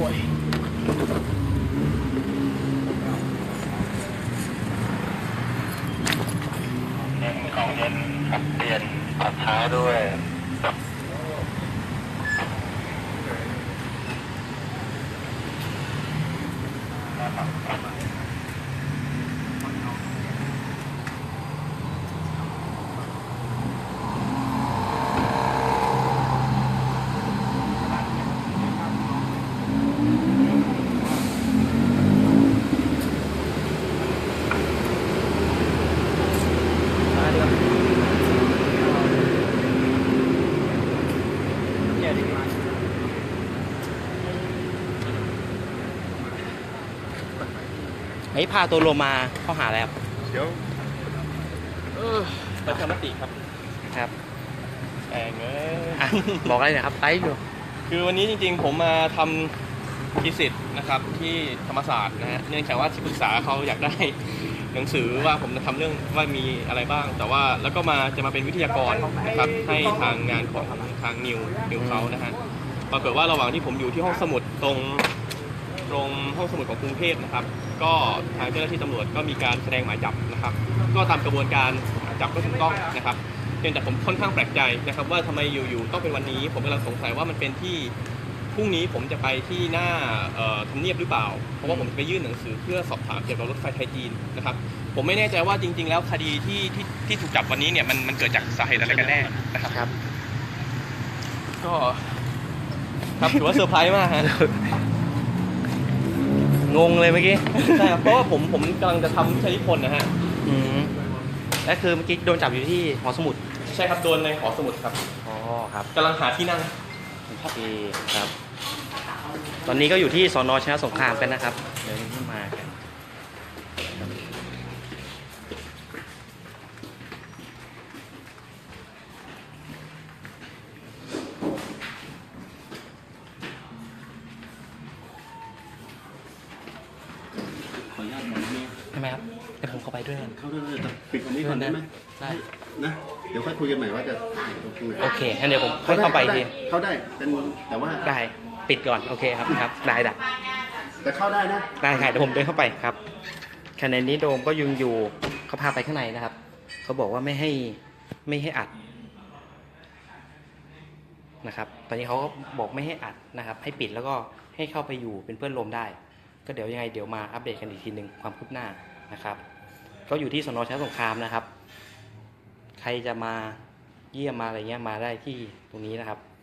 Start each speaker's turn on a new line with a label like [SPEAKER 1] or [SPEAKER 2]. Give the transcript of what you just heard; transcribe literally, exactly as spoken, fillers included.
[SPEAKER 1] วยเน้นของเย็นขับเปลี่ยนขับช้าด้วย
[SPEAKER 2] ไอ้พาตัวโลมาเข้าหาแล้ว
[SPEAKER 1] เดี๋ยว
[SPEAKER 3] เออประชามติครับ
[SPEAKER 2] ครับ
[SPEAKER 3] แองเอ้ย
[SPEAKER 2] อ่ะบอกอะไรนะครับไลฟ์อยู่
[SPEAKER 3] คือวันนี้จริงๆผมมาทำทีสิทธ์นะครับที่ธรรมศาสตร์นะฮะเนื่องจากว่าที่ปรึกษาเขาอยากได้หนังสือว่าผมจะทำเรื่องว่ามีอะไรบ้าง แต่ว่าแล้วก็มาจะมาเป็นวิทยากรนะครับให้ทางงานของทางนิวนิวเขานะฮะปรากฏว่าระหว่างที่ผมอยู่ที่ห้องสมุดตรงตรงห้องสมุดของกรุงเทพนะครับก็ทางเจ้าหน้าที่ตำรวจก็มีการแสดงหมายจับนะครับก็ตามกระบวนการจับก็ถูกต้องนะครับเพียงแต่ผมค่อนข้างแปลกใจนะครับว่าทำไมอยู่ๆต้องเป็นวันนี้ผมกำลังสงสัยว่ามันเป็นที่พรุ่งนี้ผมจะไปที่หน้าทำเนียบหรือเปล่าเพราะว่าผมจะไปยื่นหนังสือเพื่อสอบถามเกี่ยวกับรถไฟไทยจีนนะครับผมไม่แน่ใจว่าจริงๆแล้วคดีที่ที่ที่ถูกจับวันนี้เนี่ยมันมันเกิดจากสาเหตุอะไรกันแน่นะครับ
[SPEAKER 2] ครับ
[SPEAKER 3] ก็ครับถือว่าเซอร์ไพรส์มากฮะ
[SPEAKER 2] งงเลยเมื่อกี้
[SPEAKER 3] ใช่ครับเพราะว่าผมผมกำลังจะทำวิชานิพนธ์นะฮะ
[SPEAKER 2] อืมและคือเมื่อกี้โดนจับอยู่ที่หอสมุด
[SPEAKER 3] ใช่ครับโดนในหอสมุดครับ
[SPEAKER 2] อ๋อครับ
[SPEAKER 3] กำลังหาที่นั่ง
[SPEAKER 2] โอเคครับ ตอนนี้ก็อยู่ที่สนชนะสงครามกันนะครับเดี๋ยวนี้มากัน
[SPEAKER 4] ขออนุญาตหน่อยได้ไหม
[SPEAKER 2] ใช่ไหมครับเดี๋ยวผมเข้าไปด้วยกัน
[SPEAKER 4] เข้าได้เลยแต่ปิดตรงนี้ก่อนได้ไหม
[SPEAKER 2] ได้
[SPEAKER 4] นะ เดี๋ยวค่อยคุยกันใหม่ว่าจะตรงไหน
[SPEAKER 2] โอเคงั้นเดี๋ยวผมค่อยเข้าไปอีกที
[SPEAKER 4] เข้าได้เป็นแต่ว่า
[SPEAKER 2] ได้ปิดก่อนโอเคครับครับได้ได้
[SPEAKER 4] แต่เข้าได้นะ
[SPEAKER 2] ได้ค่ะเดี๋ยวผมเดินเข้าไปครับขณะนี้โดมก็ยังอยู่เขาพาไปข้างในนะครับเขาบอกว่าไม่ให้ไม่ให้อัดนะครับตอนนี้เขาก็บอกไม่ให้อัดนะครับ ให้ปิดแล้วก็ให้เข้าไปอยู่เป็นเพื่อนโรมได้ ก็เดี๋ยวยังไงเดี๋ยวมาอัปเดตกันอีกทีหนึ่งความคืบหน้านะครับ ก็อยู่ที่สนชนะสงครามนะครับ ใครจะมาเยี่ยมมาอะไรเงี้ยมาได้ที่ตรงนี้นะครับ